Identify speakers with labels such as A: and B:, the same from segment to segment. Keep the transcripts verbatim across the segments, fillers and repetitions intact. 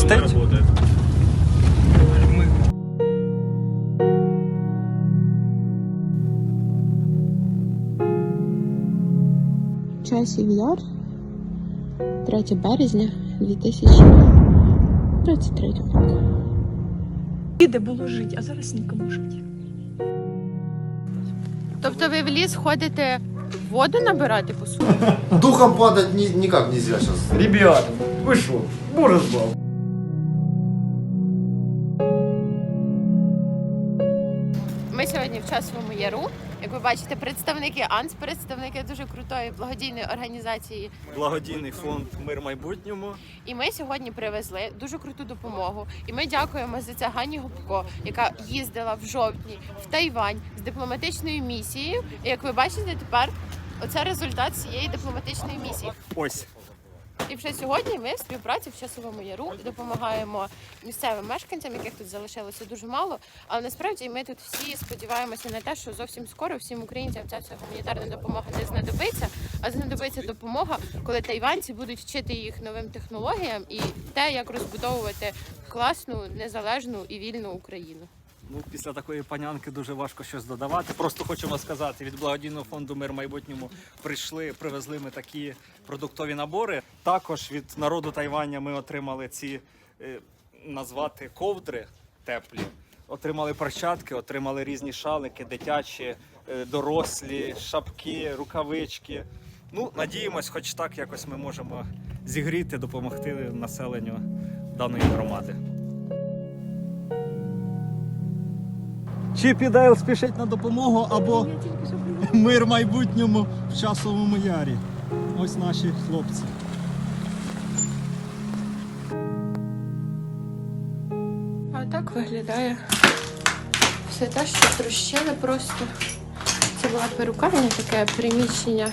A: Работает?
B: Часів Яр, третє березня дві тисячі двадцять третього року.
C: Де було жити, а зараз нікому жити.
B: Тобто ви в ліс ходите воду набирати по суті?
D: Духом падать ни, никак нельзя сейчас.
A: Ребята, ви що? Боже збав.
B: Ми сьогодні в Часовому Яру. Як ви бачите, представники АНС, представники дуже крутої благодійної організації.
A: Благодійний фонд «Мир майбутньому».
B: І ми сьогодні привезли дуже круту допомогу. І ми дякуємо за це Ганні Гопко, яка їздила в жовтні в Тайвань з дипломатичною місією. І як ви бачите, тепер оце результат цієї дипломатичної місії.
A: Ось.
B: І вже сьогодні ми в співпраці в Часовому Яру допомагаємо місцевим мешканцям, яких тут залишилося дуже мало. Але насправді ми тут всі сподіваємося на те, що зовсім скоро всім українцям ця вся гуманітарна допомога не знадобиться, а знадобиться допомога, коли тайванці будуть вчити їх новим технологіям і те, як розбудовувати класну, незалежну і вільну Україну.
A: Ну, після такої панянки дуже важко щось додавати. Просто хочемо сказати, від благодійного фонду «Мир майбутньому» прийшли, привезли ми такі продуктові набори. Також від народу Тайваня ми отримали ці, е, назвати, ковдри теплі. Отримали перчатки, отримали різні шалики, дитячі, е, дорослі, шапки, рукавички. Ну, надіємось, хоч так якось ми можемо зігріти, допомогти населенню даної громади. Чіп і Дейл спішить на допомогу, або «Мир майбутньому» в Часовому Ярі. Ось наші хлопці.
B: А так виглядає все те, що трощили просто. Це була перукарня, таке приміщення.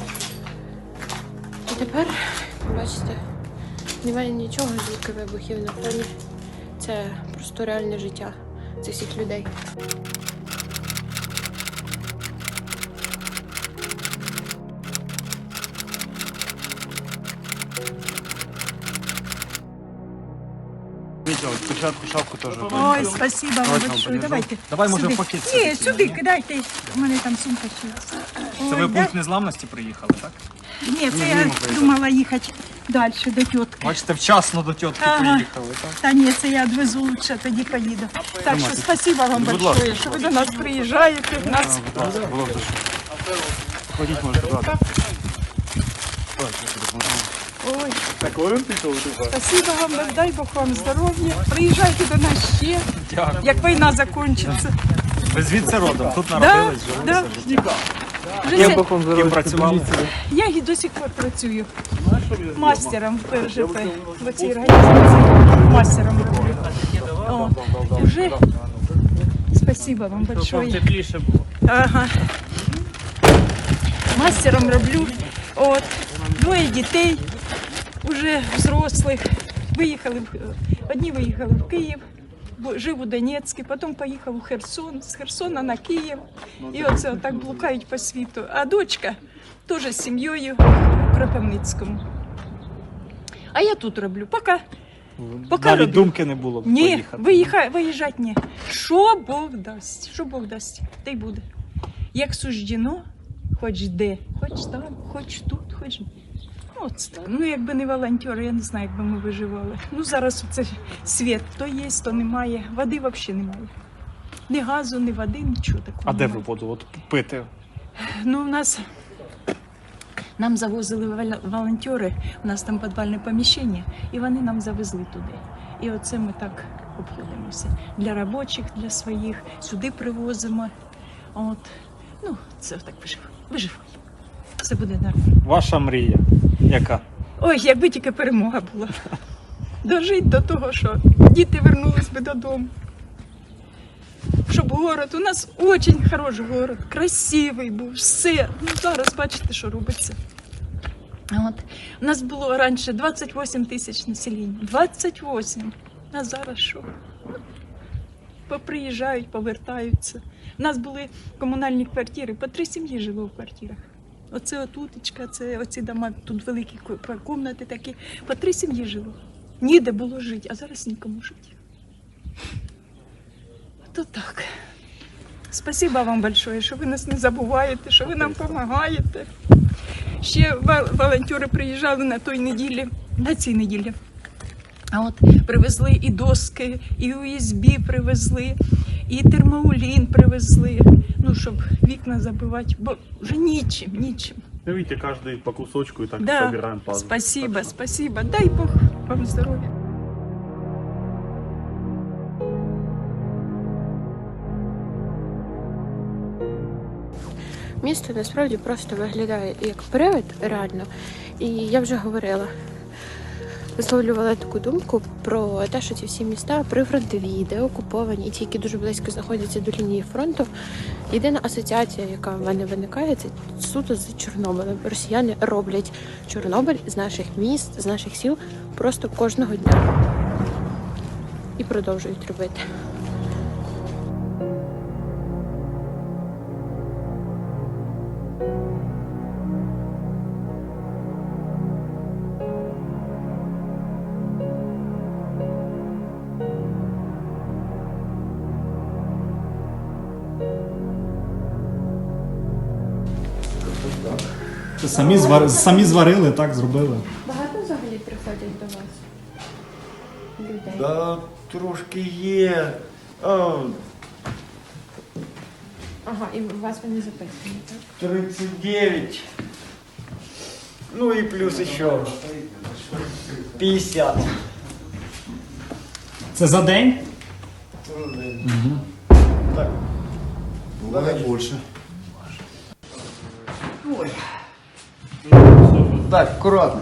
B: І тепер, бачите, немає нічого, звідки вибухів на фоні. Це просто реальне життя цих всіх людей.
A: Спочатку шапку теж.
C: Ой, спасибо вам большое. Давайте.
A: Давай, може,
C: сюди.
A: в пакет
C: Ні,
A: сюди.
C: сюди кидайте. У мене там сумка ще.
A: Це
C: Ой,
A: ви
C: да?
A: пункт незламності приїхали, так?
C: Ні, це я думала їхати далі до тітки.
A: Бачите, вчасно до тітки
C: Ага.
A: приїхали, так?
C: Та ні, це я відвезу лучше, тоді поїду. Так що спасибо вам
A: Будь
C: большое,
A: ласка.
C: що ви до нас приїжджаєте. Нас...
A: Було б дуже. Ходіть, може, туди.
C: Ой, спасибо вам, дай Бог вам здоров'я. Приїжджайте до нас ще,
A: Дякую.
C: як війна закінчиться.
A: Ви звідси родом? Тут
C: Да,
A: народились,
C: да.
A: жилися?
C: Вже
A: Ким,
C: це-
A: ким працювали?
C: Я і до сих пор працюю мастером в П Ж П, в цій організації, мастером роблю. О, вже спасибо вам большое.
A: тепліше було.
C: Ага. Мастером роблю. От. Двоє дітей, вже взрослих. Виїхали, в- одні виїхали в Київ, бо жив у Донецьку, потім поїхав у Херсон, з Херсона на Київ. І оце отак блукають по світу. А дочка теж з сім'єю в Кропивницькому. А я тут роблю. Поки, поки
A: Навіть
C: роблю.
A: думки не було
C: Ні,
A: поїхати.
C: виїхати, виїжджати ні. Що Бог дасть, що Бог дасть, те й буде. Як суждено, хоч де, хоч там, хоч тут, хоч... Ну, от так. Ну, якби не волонтери, я не знаю, як би ми виживали. Ну, зараз це світ, то є, то немає, води взагалі немає. Ні газу, ні води, нічого такого
A: А де ви
C: немає.
A: воду от пити?
C: Ну, у нас, нам завозили вол- волонтери, у нас там підвальне поміщення, і вони нам завезли туди. І оце ми так обходимося. Для робочих, для своїх, сюди привозимо. От. Ну, це так виживемо. Виживемо. Все буде нормально.
A: Ваша мрія яка?
C: Ой, якби тільки перемога була. Дожить до того, що діти вернулись би додому. Щоб город, у нас дуже хороший город, красивий був, все. Ну, зараз бачите, що робиться. От. У нас було раніше двадцять вісім тисяч населення. двадцять вісім. А зараз що? Поприїжджають, повертаються. У нас були комунальні квартири, по три сім'ї жило в квартирах. Оце отутечка, це оці дома, тут великі кімнати такі, по три сім'ї жило. ніде було жити, а зараз нікому жити. То так. Спасибо вам большое, що ви нас не забуваєте, що ви нам допомагаєте. Ще волонтери приїжджали на той неділі, на цій неділі. А от привезли і доски, і ю ес бі привезли, і термоулін привезли, ну, щоб вікна забивати, бо вже нічим, нічим.
E: Ну, видите, каждый по кусочку и так
C: Да,
E: собираем пазл.
C: спасибо,
E: Так что-
C: спасибо. Дай Бог вам здоров'я.
B: Місто насправді просто виглядає як привид, реально. І я вже говорила, висловлювала таку думку про те, що ці всі міста прифронтові, де окуповані, і ті, які дуже близько знаходяться до лінії фронту. Єдина асоціація, яка в мене виникає, це суто з Чорнобилем. Росіяни роблять Чорнобиль з наших міст, з наших сіл просто кожного дня. І продовжують робити.
F: Самі, звар... Самі зварили, так, зробили.
B: Багато взагалі приходять до вас людей?
G: Да, трошки є. А,
B: Ага, і вас вони записані, так?
G: тридцять дев'ять. Ну і плюс ще п'ятдесят.
F: Це за день?
G: Так.
D: Бывает больше.
G: Ой. Так, акуратно.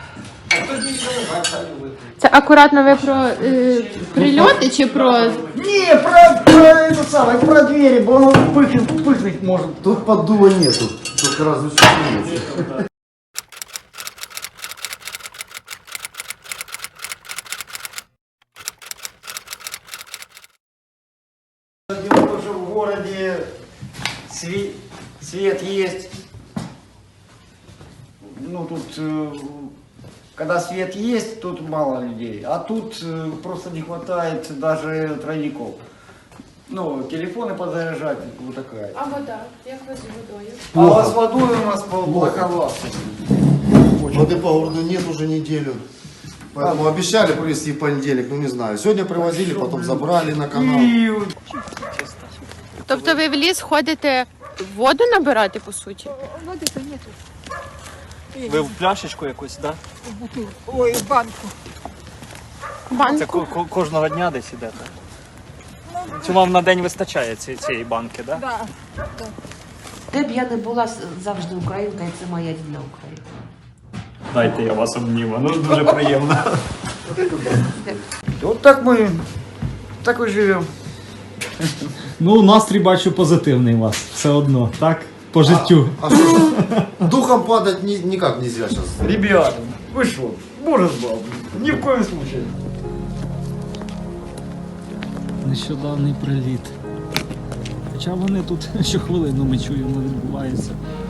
B: Це акуратно ви про е, прильоти чи про.
G: Не, про, про это самое, про двери, бо воно пыхнуть, пыхнуть может.
D: Тут поддува нету, только разве что есть.
G: Дело, что в городе свет, свет есть. Ну, тут, э, когда свет есть, тут мало людей. А тут э, просто не хватает даже тройников. Ну, телефоны подзаряжать, вот такая.
B: А вода? Як ви з водою?
G: А с водой у нас плоховато.
D: Воды по городу нет уже неделю. Поэтому обещали привезти в понедельник, ну не знаю. Сегодня привозили, потом забрали на канал.
G: И
B: Тобто ви в ліс ходите воду набирати, по суті?
A: Ви в пляшечку якусь, так?
C: Ой, в банку.
A: Да? Це
B: Банку?
A: ко- ко- кожного дня десь ідете? Чи вам на день вистачає ці- цієї банки, так? Да?
C: Да.
H: Де б я не була, завжди українка, і це моя рідна Україна.
F: Дайте я вас обніму, ну дуже приємно.
G: вот так мы, так и живем.
F: Ну, настрій бачу позитивний у вас, все одно, так? По життю.
D: А что ж, духом падать ни- никак нельзя сейчас.
G: Ребята, вы что, боже с бабой, ни в коем случае.
F: Нещодавний приліт. Хоча вони тут щохвилину ми чуємо, відбувається.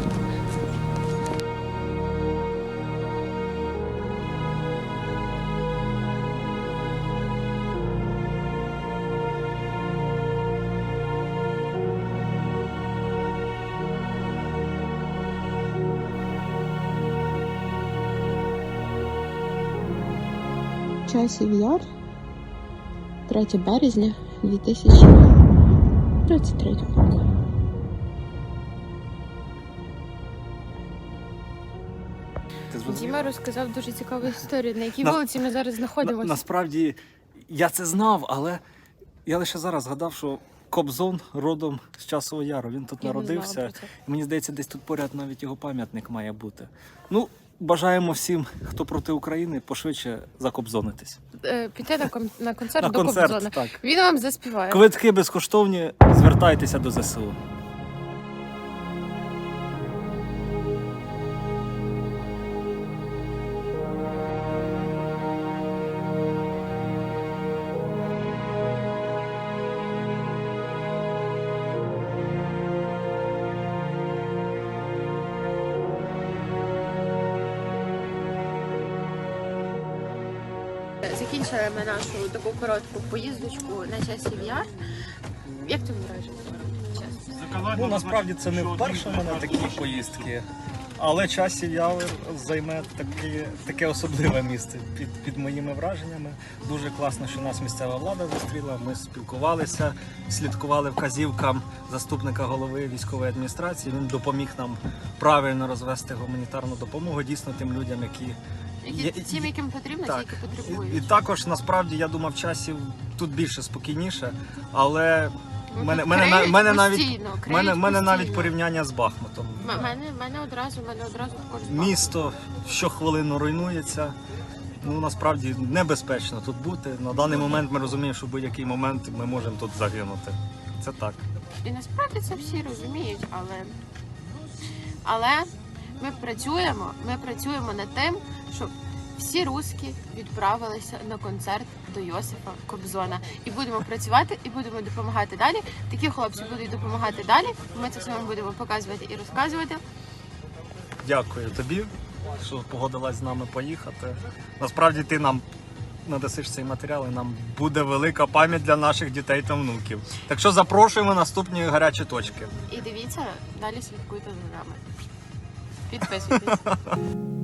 B: Часів Яр, третє березня дві тисячі тридцять третього року.
A: Ти зрозумів?
B: Діма розказав дуже цікаву історію, на якій
A: На-
B: вулиці ми зараз
A: На,
B: знаходимося.
A: насправді я це знав, але я лише зараз згадав, що Кобзон родом з Часового Яру. Він тут
B: Я не знала
A: народився.
B: про це.
A: І мені здається, десь тут поряд навіть його пам'ятник має бути. Ну, бажаємо всім, хто проти України, пошвидше закобзонитись.
B: Е, Піти на, кон- на концерт
A: На
B: до
A: концерт,
B: Кобзона.
A: так.
B: Він вам заспіває.
A: Квитки безкоштовні, звертайтеся до ЗСУ.
B: З закінчили ми нашу таку коротку поїздочку на часів яр. Як тобі враження? Чесно.
A: Ну насправді це не вперше в мене такі поїздки, але часів явір займе таке, таке особливе місце під, під моїми враженнями. Дуже класно, що нас місцева влада зустріла. Ми спілкувалися, слідкували вказівкам заступника голови військової адміністрації. Він допоміг нам правильно розвести гуманітарну допомогу дійсно тим людям, які
B: Які, тим, яким потрібно, ті,
A: так.
B: які потребують.
A: І, і також насправді я думав, часів тут більше спокійніше, але
B: Ну,
A: мене,
B: тут
A: мене, на-
B: криють
A: мене навіть
B: постійно, криють
A: мене, мене навіть
B: постійно.
A: порівняння з Бахмутом.
B: М- Мене, мене одразу, мене одразу також збагато.
A: Місто щохвилину руйнується. Ну насправді небезпечно тут бути. На даний момент ми розуміємо, що в будь-який момент ми можемо тут загинути. Це так.
B: І насправді це всі розуміють, але, але ми працюємо, ми працюємо над тим, щоб всі русські відправилися на концерт до Йосифа Кобзона. І будемо працювати, і будемо допомагати далі. Такі хлопці будуть допомагати далі. Ми це все вам будемо показувати і розказувати.
A: Дякую тобі, що погодилась з нами поїхати. Насправді ти нам надасиш цей матеріал, і нам буде велика пам'ять для наших дітей та внуків. Так що запрошуємо наступні гарячі точки.
B: І дивіться, далі слідкуйте за нами. Підписуйтесь.